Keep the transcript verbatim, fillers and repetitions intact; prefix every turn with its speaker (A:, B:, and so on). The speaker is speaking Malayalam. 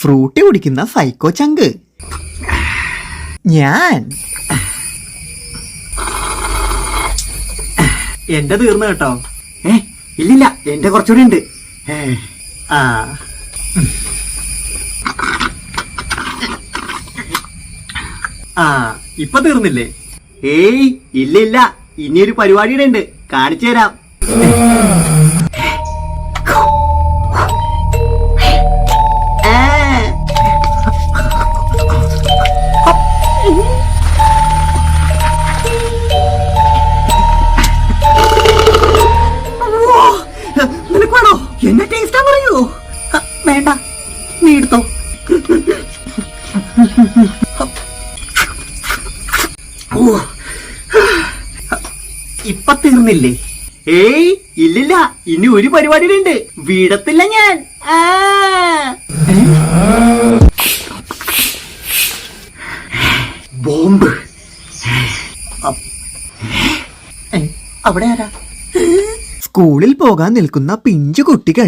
A: ഫ്രൂട്ടി കുടിക്കുന്ന സൈക്കോ ചങ്ക്. ഞാൻ
B: എന്റെ തീർന്നു കേട്ടോ.
C: ഏ ഇല്ലില്ല, എന്റെ കുറച്ചുകൂടി ഉണ്ട്.
B: ആ ആ ഇപ്പൊ തീർന്നില്ലേ?
C: ഏയ് ഇല്ല ഇല്ല, ഇനിയൊരു പരിപാടിയുടെ ഉണ്ട്, കാണിച്ചു തരാം. നിനക്ക് വേണോ? എന്നെ ടേസ്റ്റാ പറയൂ. വേണ്ട, നീ എടുത്തോ.
B: ഇപ്പൊ തീർന്നില്ലേ?
C: ഏയ് ഇല്ലില്ല, ഇനി ഒരു പരിപാടിയുടെ ഉണ്ട്, വീടത്തില്ല ഞാൻ. ആ ബോംബ്.
B: അവിടെ ആരാ?
A: സ്കൂളിൽ പോകാൻ നിൽക്കുന്ന പിഞ്ചു കുട്ടികൾ.